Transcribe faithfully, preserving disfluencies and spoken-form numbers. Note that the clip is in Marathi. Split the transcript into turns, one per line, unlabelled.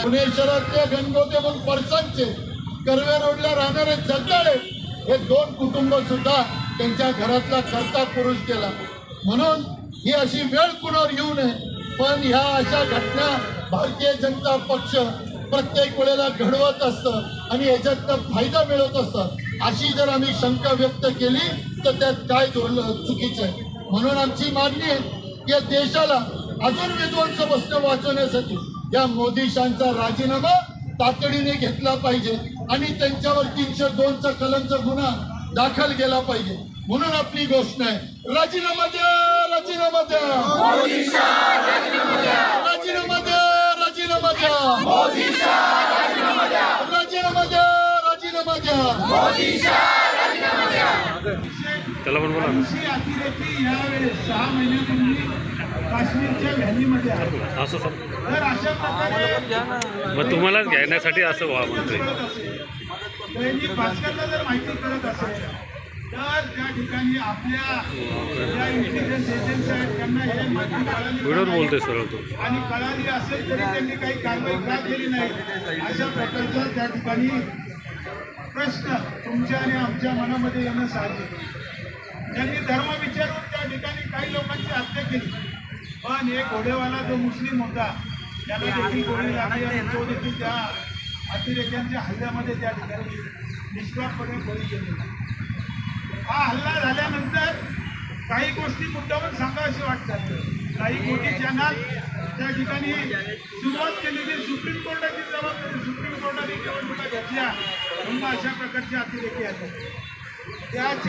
पुणे शहरातले गणगोते म्हणून फरसांचे कर्वे रोडला राहणारे जगदाळे हे दोन कुटुंब सुद्धा त्यांच्या घरातला करता पुरुष केला. म्हणून ही अशी वेळ कुणावर येऊ नये. पण ह्या अशा घटना भारतीय जनता पक्ष प्रत्येक वेळेला घडवत असतं आणि याच्यातनं फायदा मिळवत असतं. अशी जर आम्ही शंका व्यक्त केली तर त्यात काय चुकीचं आहे. म्हणून आमची मागणी आहे की या देशाला अजून विध्वंस बसणं वाचवण्यासाठी या मोदी शांचा राजीनामा तातडीने घेतला पाहिजे आणि त्यांच्यावर तीनशे दोनचा कलमचा गुन्हा दाखल केला पाहिजे. म्हणून आपली घोषणा आहे, राजीनामा द्या, राजीनामा द्या, राजीनामा द्या, राजीनामा द्या, राजीनामा द्या, राजीनामा द्या.
त्याला पण बोला.
अतिरेकी यावेळेस सहा महिन्यापूर्वी काश्मीरच्या व्हॅलीमध्ये आहे.
असं सर
तर अशा प्रकारे
मग तुम्हालाच घेण्यासाठी असं व्हा म्हणतोय.
दैनिक भास्करला जर माहिती करत असेल तर त्या ठिकाणी आपल्या ज्या इंटेलिजन्स एजन्सी आहेत त्यांना हे माहिती कळाली
व्हिडिओवर बोलतोय सरळ तो.
आणि कळाली असेल तरी त्यांनी काही कारवाई का केली नाही. अशा प्रकारचा त्या ठिकाणी प्रश्न तुमच्या आणि आमच्या मनामध्ये येणं साहजिक आहे. त्यांनी धर्म विचारून त्या ठिकाणी काही लोकांची हत्या केली. पण एक घोडेवाला जो मुस्लिम होता त्याला देखील गोळी लागली आणि तो देखील त्या अतिरेक्यांच्या हल्ल्यामध्ये त्या ठिकाणी निष्पापपणे बळी गेलेला. हा हल्ला झाल्यानंतर काही गोष्टी मुद्दावून सांगाव्याशी वाटतात. काही मोठी चॅनल त्या ठिकाणी सुरुवात केलेली सुप्रीम कोर्टाची जबाबदारी सुप्रीम कोर्टाने निवडणुका घेतल्या म्हणून अशा प्रकारच्या अतिरेकी आहेत त्या